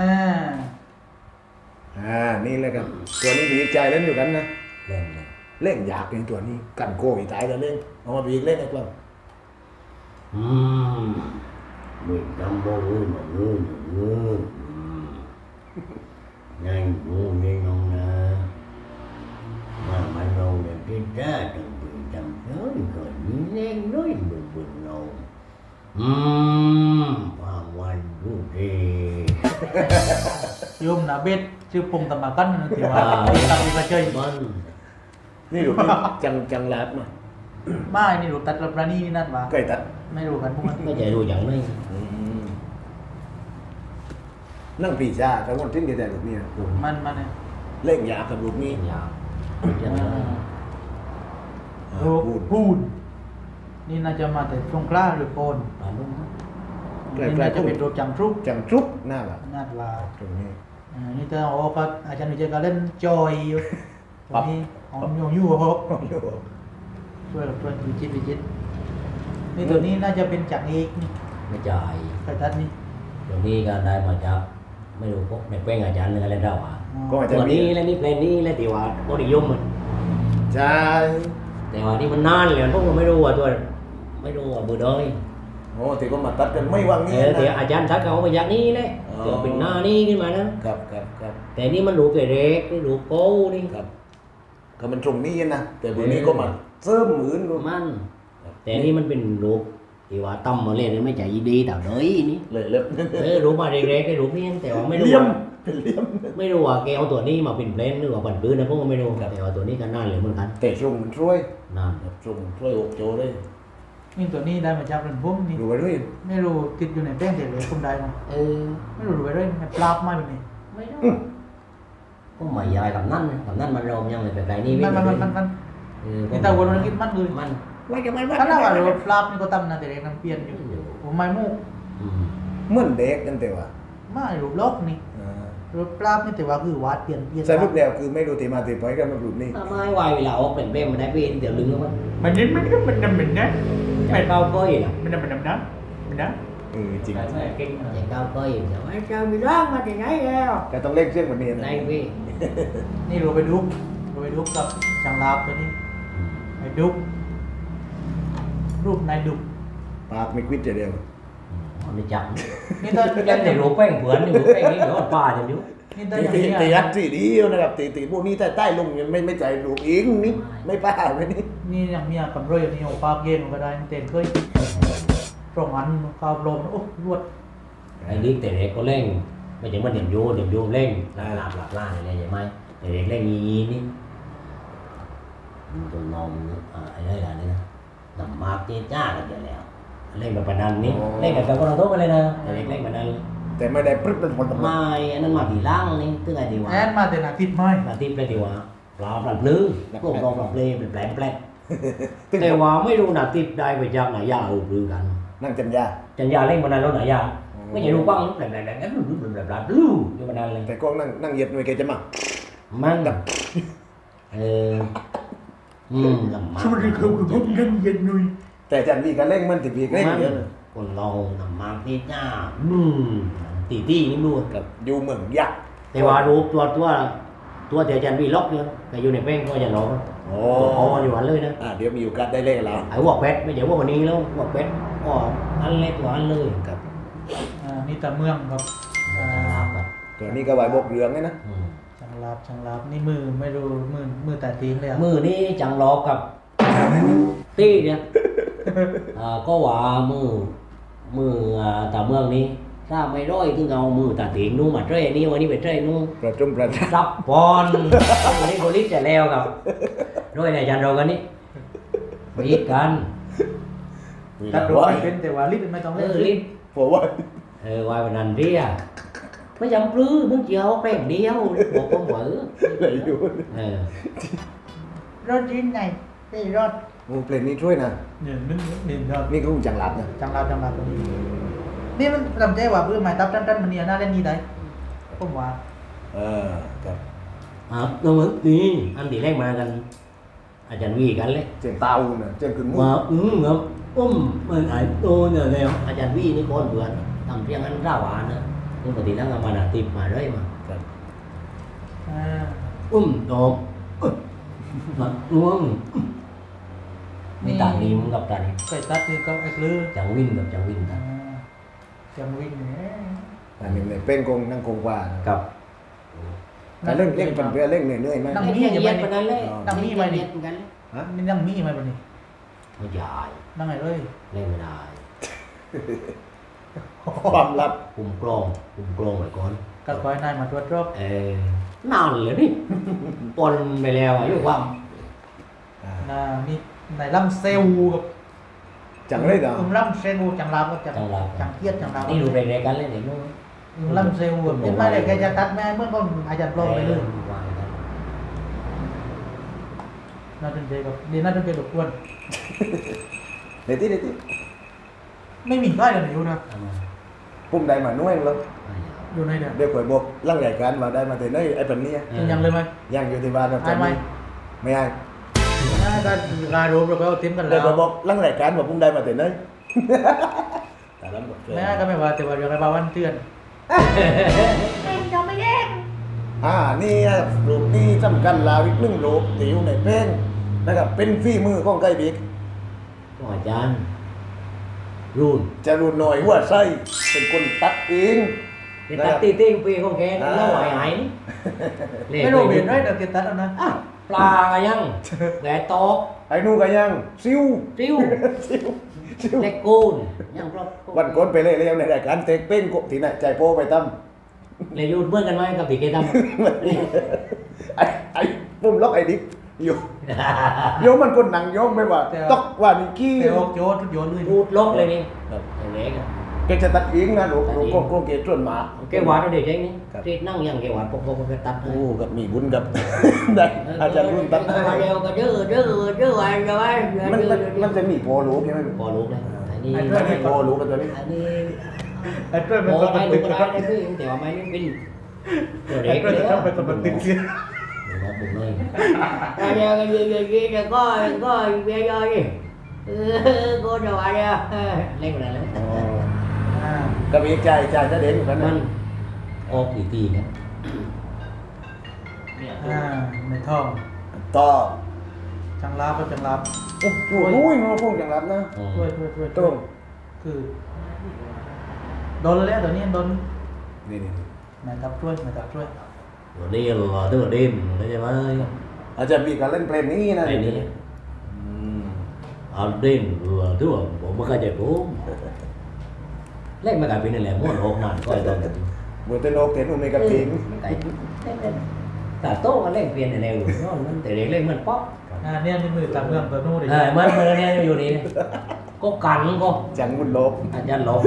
Speaker 2: อ่านี่เลยครับตัวนี้ผีใจเล่นอยู่กันนะ
Speaker 1: เล่นเลย
Speaker 2: เล่นอยากเป็นตัวนี้กันโก้อีตายแล้วเล่นเอามาบีกเล่นไอ้กล้อง
Speaker 1: อืมมึงจำบ่เออมาเออเออnhanh ngủ nghe ngon nè mà mà ngon là cái ra từng bị chầm tới rồi nén nói mừng mừng ngon ừm hoàng hoàng du đi
Speaker 5: โยมนาเบ็ดชื่อพงตมากันนะที่ว่าตัดไปเฉย
Speaker 1: มัน
Speaker 2: นี่ดูจังจังลาดมา
Speaker 5: ไม่นี่รู้ตัดรับรานี่นี่นั่นวะ
Speaker 2: ใกล้ตัด
Speaker 5: ไม่รู้กันพวกมัน
Speaker 1: ไม่ใจรู้อย่างนี้
Speaker 2: นั่งปีชาทั้งวันทิ้งกันแต่ลูกนี่
Speaker 5: มันมันเนี่ย
Speaker 2: เล่นยากับลูกนี่
Speaker 1: ยาวอย่างนั้น
Speaker 5: โรคพูดนี่น่าจะมาแต่สงขลาหรือโกน
Speaker 1: ปลาลุ่ม
Speaker 5: นี่น่าจะเป็นโรคจังทรุก
Speaker 2: จังทรุกหน้าละ
Speaker 5: น่าว่า
Speaker 2: ตรงนี้
Speaker 5: อ่านี่เธอโอ้ก็อาจารย์วิจัยก็เล่นจอยอยู่ตรงนี้หอมอยู่อยู่เหรอช่วยกับช่วยวิจิตรวิจิตรนี่ตัวนี้น่าจะเป็นจากเอกนี่
Speaker 1: ไม่จ่าย
Speaker 5: ไข่ตัดนี่
Speaker 1: เดี๋ยวนี้ก็ได้มาจากไม่รู้พวกในแป้งอาจารย์นึงอะไรเราอ่ะ
Speaker 2: ก็อาจจะ
Speaker 1: ตัว
Speaker 2: มี
Speaker 1: นี้และนี่เพลงนี้และที่ว่าโคดิยมมัน
Speaker 2: ใช่
Speaker 1: แต่ว่านี่มันนานเลยพวกมันไม่รู้ว่าตัวไม่รู้ว่าเบอร์เดย
Speaker 2: โอ้ที่ก็มาตัดกันไม่วาง
Speaker 1: เอ
Speaker 2: นี้
Speaker 1: อแต่
Speaker 2: นะ
Speaker 1: อาจารย์ทักเขาไปอย่างนี้เลย
Speaker 2: อ๋อ
Speaker 1: เดี๋ยวเป็นหน้านี่ขึ้นมานะครับ
Speaker 2: ครับครับ
Speaker 1: แต่นี่มันรูปเด็กนี่รูปโก้นี่
Speaker 2: ครับก็มันตรงนี้นะแต่ตัวนี้ก็มาเสริมหมือนก็
Speaker 1: มัน แต่นี่มันเป็นรูปที่ว่าตั้มมาเล่นไม่ใจดีแต่เดยนี่
Speaker 2: เลยเล็บ
Speaker 1: เออรูปมาเด็กๆไอ้รูปนี้แต่ว่าไม่รู้
Speaker 2: เลี่ยม
Speaker 1: ว่า
Speaker 2: เป็นเลี่ยม
Speaker 1: ไม่รู้ว่าแกเอาตัวนี้มาเป็นเพลนหรือว่าปั่นปืนนะพวกมันไม่รู้แต่ว่าตัวนี้ก็น่าเหลือเหมือนกัน
Speaker 2: แต่ทรงมันช่วย
Speaker 1: น่า
Speaker 2: แบบทรงช่วยอกโจเลย
Speaker 5: นี่ตัวนี้ได้มาจากเรื่องพุ่มนี่
Speaker 2: ดูไปด้วย
Speaker 5: ไม่รู้ติดอยู่ในแป้งเด็กเลยคุณได้มั้ง
Speaker 1: เออ
Speaker 5: ไม่รู้ดูไปด้วยมันปลาบมาแบบนี้
Speaker 1: ไม่รู้ก็ไม่ยายกับนั่นกับนั่นมันรอมยังเลยแต่ไกลนี่
Speaker 5: มันมันมันมันมัน
Speaker 1: เออ
Speaker 5: นี่ตาวนมันคิดมันเลย
Speaker 1: มัน
Speaker 5: ว่าจะไม่ว่าถ้าว่าเราปลาบนี่ก็ตำนะแต่เด็กน้ำเปลี่ยนอยู่ผมไม่มุก
Speaker 1: อืม
Speaker 2: เหมือนเด็กกันแต่ว่า
Speaker 5: ไม่รูปล็อกนี่
Speaker 2: อ่า
Speaker 5: รูปปลาบนี่แต่ว่าคือวาดเปลี่ยนเปลี่ยน
Speaker 2: สรุปแล้วคือไม่รู้ตีมาตีไปกันมารูปนี้
Speaker 1: ทำไมวายเวลาออกเป็นเป้มันได้เป็นเดี๋ยวลึงแล้วมัน
Speaker 4: มันนี่มันก็มันนำมันนะ
Speaker 1: ใจเก้าก้อยนะ
Speaker 4: มันนำมันนำนะมันนะ
Speaker 2: เออจริง
Speaker 5: ใช่เก่ง
Speaker 1: ใจเก้าก้อยเดี๋ยวไอ้เจ้ามีร่างมาจากไหนแล้ว
Speaker 2: แต่ต้องเล่นเชื่องกว่านี้นะ
Speaker 1: ในพี่
Speaker 5: นี่รูปไปดุกรูปไปดุกกับจังลาบตัวนี้ไปดุกรูปนายดุก
Speaker 2: ปากไม่ควิดจะเดียว
Speaker 1: มันไม่จับ
Speaker 5: นี่ถ้า
Speaker 1: ยังแต่รูปแป้งเผือนอยู่รูปแป้งนี้เดี๋ยวป่าจะอยู่
Speaker 5: นี่ถ้า
Speaker 2: ตี
Speaker 5: อย่าง
Speaker 2: ตี
Speaker 5: นี้
Speaker 2: ตียัดสีเดียวนะครับตีตีพวกนี้ใต้ใต้ลงยังไม่ไม่ใจรูปอิงนี่ไม่ป้าไม่นี่
Speaker 5: นี่อย่างนี้กำไรอย่างนี้โอ้ปากเย็นก็ได้เต็มเคยตรงอันข้าวลมโอ้รวด
Speaker 1: ไอ้ลิกแต่เด็กก็เล่งไม่ใช่มันเดี๋ยวโยเดี๋ยวโยเล่งหลับหลับหลับล่าอะไรอย่างไรแต่เด็กเล่งยีนี่ตัวนมอะไรอะไรนี่นะน้ำมากที่จ้ากันเดี๋ยวแล้วเล่นแบบปนันนี่เล่นแบบกับคนเราทุกไปเลยนะแต่เด็กเล่นแบบนั้น
Speaker 2: แต่ไม่ได้ปรึ๊บเป็นคนตำรวจ
Speaker 1: ไม่อันนั้นมาผีล่างนี่ตึ้งไงดีวะ
Speaker 5: แอนมาแต่นาทิตย์ไม่
Speaker 1: มาทิพย์เลยดีวะปลาปลาพลื้อพวกเราปลาเพลเป็นแปลงแปลงแต่ว่าไม่รู้นาทิพย์ได้ไปจากไหนยาเออพลื้อกัน
Speaker 2: นั่งจันยา
Speaker 1: จันยาเล่นบนนั้นแล้วไหนยาไม่ใช่รู้บ้างแปลงแปลงแปลงแปลงแปลงแปลงแปลงลื้ออยู่บนนั้นเลย
Speaker 2: แต่ก็นั่งนั่งเหยียดหน่วยแกจะมา
Speaker 1: มันเอออืมลำบาก
Speaker 4: สวัสดีครับกับผมนั่งเย็นหนุ่ย
Speaker 2: แต่อาจารย์วีก็เร่งมันติวีเร่งเยอะนะ
Speaker 1: คนเราลำบากที่หน้าอืมตีตี้นี่ดู
Speaker 2: กับอยู่เมืองยักษ์
Speaker 1: แต่ว่ารูปตัวตัวตัวเดียวจันวีล็อกเนี่ยแต่อยู่ในแป้งก็จะล็อก
Speaker 2: โอ้
Speaker 1: พออยู่อันเลยนะ
Speaker 2: อ่าเดี๋ยวมีโอกาสได้เล่นแล้ว
Speaker 1: ไอ้วอกแบทไม่ใช่วอกวันนี้แล้ววอกแบทก็อันเล็กกว่าอันเลย
Speaker 2: ครับ
Speaker 5: อ่านี่ตาเมืองครับอ่า
Speaker 1: ครับ
Speaker 2: ตัวนี้ก็ไหวบกเรืองไงนะ
Speaker 1: อืม
Speaker 5: ช่างลาบช่างลาบนี่มือไม่รู้มือมือแต่ตีนเลยอะ
Speaker 1: มือนี่จังล็อกกับตี้เนี่ยอ่าก็ว่ามือมืออ่าตาเมืองนี้ถ้าไม่ร้อยถึงเอามือตาตีนนู่นมาเทรนี่วันนี้ไปเทรนู่น
Speaker 2: ประจุมประทับ
Speaker 1: รับบอลวันนี้โพลิสจะแล้วครับด้วยในจันเรากันนี่มีกัน
Speaker 5: ตัดตัวไม่เป็นแต่ว่าลิปไม่ต้อง
Speaker 1: เอ
Speaker 5: เล่น
Speaker 1: อลิ้น
Speaker 2: ผมว่า
Speaker 1: เออวายวันนั้นเรียไม่จำปลื้มมึงเจียวแป้งเดียวบอกผมเหวอ
Speaker 2: อะไรอยู่
Speaker 1: เออ
Speaker 5: รถยินไงนี่รถ
Speaker 2: โอ้เพลงนี้ช่วยนะ
Speaker 5: หนึ่งหนึ่งหนึ่งรถ
Speaker 2: นี่ก็คงจังหลับนะ
Speaker 5: จังลาบจังลาบตรงนี้นี่มันลำใจว่าเพื่อหมายตับตันตันมันเนี่ยน่าเล่นนี่ได้ผมว่า
Speaker 2: เออครับ
Speaker 1: อ่ะตรงนี้อันที่แรกมากัน อาจารย์วีกันเลย
Speaker 2: เจียงเตาน่ะเจียงขึ้นมุ้
Speaker 1: มาอืมครับอุ้มมันไอ้โตเนี่ยแล้วอาจารย์วีนี่ก้อนเบื่อนทำเพียงอันร่าวานนะนี่ปกตินั่งมาหนาติบมาเรื่อยมา
Speaker 2: ครับ
Speaker 5: อ่า
Speaker 1: อุ้มดอกมาล้วงนี่ตานี้มึงกับตานี้
Speaker 5: ไปตัดที่ก็ไอ้ลือ
Speaker 1: จังวินกับจังวินกัน
Speaker 5: จังวิ่งเนี่ย
Speaker 2: อันนี้เนี่ยเป็นกงนั่งกงว่า
Speaker 1: กับ
Speaker 2: การเล่นเล่นเป็นเพื่อเล่นเหนื่อยๆไหม
Speaker 5: นั่ง
Speaker 1: ไอ้
Speaker 5: มี
Speaker 1: เหี้ย
Speaker 5: จะ
Speaker 1: เย็
Speaker 5: ไป
Speaker 1: นปานนั้นเลย
Speaker 5: นั่งมีไหมนี่
Speaker 1: เย็นกันเลย
Speaker 2: ฮะ
Speaker 5: นี่นั่งมีไหมบันนี้
Speaker 1: ไม่ใหญ่
Speaker 5: นั่งไงเลย
Speaker 1: เล่นไม่ได้
Speaker 2: ความลับ
Speaker 1: คุมกลองคุมกลองไว้ก่อน
Speaker 5: ก็คอยนายมาตรวจรอบ
Speaker 1: เออนานเลยนี่ปนไปแล้วอายุความ
Speaker 2: อ่า
Speaker 5: น่ามีนายลำเซลกับ
Speaker 2: จังเลยเหรอ
Speaker 5: อืมลำเซลจังลาบก็จัง
Speaker 1: จังหวะ
Speaker 5: จังเทียดจังลาบ
Speaker 1: นี่ดูเรกๆกันเลยเดี๋ยวนู้น
Speaker 5: อืมลำเซลแบบเป็นไม่ได้แกจะตัดแม่เมื่อก็อาจารย์ปลอมไปเลย
Speaker 1: วางกัน
Speaker 5: น่าเป็นใจกับดีน่าเป็นใจรบกวน
Speaker 2: เดี๋ยวที่เดี๋ยวที่
Speaker 5: ไม่มีก้อยกันอยู่นะ
Speaker 1: ทำมา
Speaker 2: ปุ่มใดมาน่วยแล้ว
Speaker 1: ไม่เอา
Speaker 5: อยู่ในเดียว
Speaker 2: เดี๋ยวข่อยบอกร่างใหญ่การมาได้มาแต่ไหนไอ้ปันนี้
Speaker 1: เออ
Speaker 5: ยังเลยไหม
Speaker 2: ยังอยู่ที่บ้านเรา
Speaker 5: ไอ้ไหม
Speaker 2: ไม่ไอ้
Speaker 5: น่าก็การรวมเราก็เอาเต็มกัน
Speaker 2: เดี๋
Speaker 5: แล้
Speaker 2: ยว
Speaker 5: ว
Speaker 2: ข่อยบอกร่างใหญ่การบอกปุ่มใดมาแต่ไหนแต่ละหมดเลย
Speaker 5: แม่ก็ไม่ว่าแต่ว่าเดี๋ยวไปบาวันเตือน
Speaker 2: อ่านี่รูปนี้สำคัญลาวิกหนึ่งรูปติ๋วในเพลงนะครับเป็นฝีมือของไก่บิ๊ก
Speaker 1: ก็อาจารย์รุ่น
Speaker 2: จะรูนหน่อยหัวไส้เป็นคนตัดเอง
Speaker 1: เป็นตัดตีติ้งปีของแกแล้วหายหายนี่
Speaker 5: ไม่รู้เบียนได้เดี๋ยวเก็บตัดเอานะ
Speaker 1: อ่ะปลาก็ยังแหวนตอก
Speaker 2: ไอ้นู่นก็ยังซิว
Speaker 1: จิ้ว
Speaker 2: ซิวซิว
Speaker 1: เล็กกูนยังครบ
Speaker 2: วันก่อนไปเล่นเล่นในรายการเต็กเป้งกบที่ไหนใจโป้ไปตั้ม
Speaker 1: เลยยุ่เมื่อกันไหมกับตีเกตัม
Speaker 2: ไอ้ไอ้ปุ่มล็อกไอ้ดิ๊กอยู่โยมมันคนหนังโยมไม่ว่าตอกว่านี่กี้
Speaker 5: เดี๋ยวโยนโยนเลย
Speaker 1: พูดลบเลยนี่เล็กอ่ะ
Speaker 2: แกจะตัดเองนะหนูหนูก็ก็เกส่วนหมา
Speaker 1: แกหวานเราเด็กเองนี่ที่นั่งยังแกหวานปกปกแกตัดให้
Speaker 2: โอ้กับมีบุญกับ ได้อาจารย์รุ่นตัดให้
Speaker 1: เดียวก็ดื้อดื้อดื้อวันจะไว้
Speaker 2: มันมันมันจะมีโพลูกใช่ไหม
Speaker 1: พอลูกเลยอันนี้
Speaker 2: มันมีโพลูกกันตัวนี้
Speaker 1: อันนี้
Speaker 5: ไอ้เพื่อนเป็น
Speaker 1: โอ้
Speaker 5: ตัว
Speaker 1: ไม่
Speaker 5: ติ
Speaker 1: ลู
Speaker 5: ด
Speaker 1: กก็ได้เลยพี่แต่ว่าไม่ได้เป็นตัวเด็
Speaker 5: ไอ้
Speaker 1: ก
Speaker 5: เพื่อน
Speaker 1: เลย
Speaker 5: จะต้องเป็นตัวติดเสีย
Speaker 1: Một một nơi. Ra ra cái gì cái gì là có có bia rồi đi. Cô cho bà đi. Lên rồi lên.
Speaker 5: อ่า
Speaker 2: ก็มีใจใจจะเด่นอยู่กันนั้น
Speaker 1: Mình ô thì tì nữa.
Speaker 5: อ่าในท่อง
Speaker 2: ต่อ
Speaker 5: จังลาบก็จังลาบ
Speaker 2: โอ้โหอุ้ยมันพวกอย่างรับนะ
Speaker 5: ช่วยช่วยช่วย
Speaker 2: ต้ม
Speaker 5: คือโดนแล้วเดี๋ยวนี้โดน
Speaker 2: นี่นี่
Speaker 5: นายทับช่วยนายทับช่วย
Speaker 1: Rồi đi là tức là đêm đấy em ơi.
Speaker 2: อาจจะมีการเล่นเพลงนี้นะ
Speaker 1: Đây đi.
Speaker 2: อืม
Speaker 1: Ở đêm vừa tức là bộ mất cái chạy phố. Lấy mấy cái pin này là muốn hộp nào coi rồi.
Speaker 2: บุตรโนกเห็นอุเมกับทิง
Speaker 1: Cái cả tốt cái lên pin này đều nó nó để để lên mình pop.
Speaker 5: อ่าเนี่ยนี่มือตัดเมืองตัวนู้นเลย
Speaker 1: À mình mình nghe vô đi. Có cắn không?
Speaker 2: จังบุญโลบ
Speaker 1: อาจารย์ลบ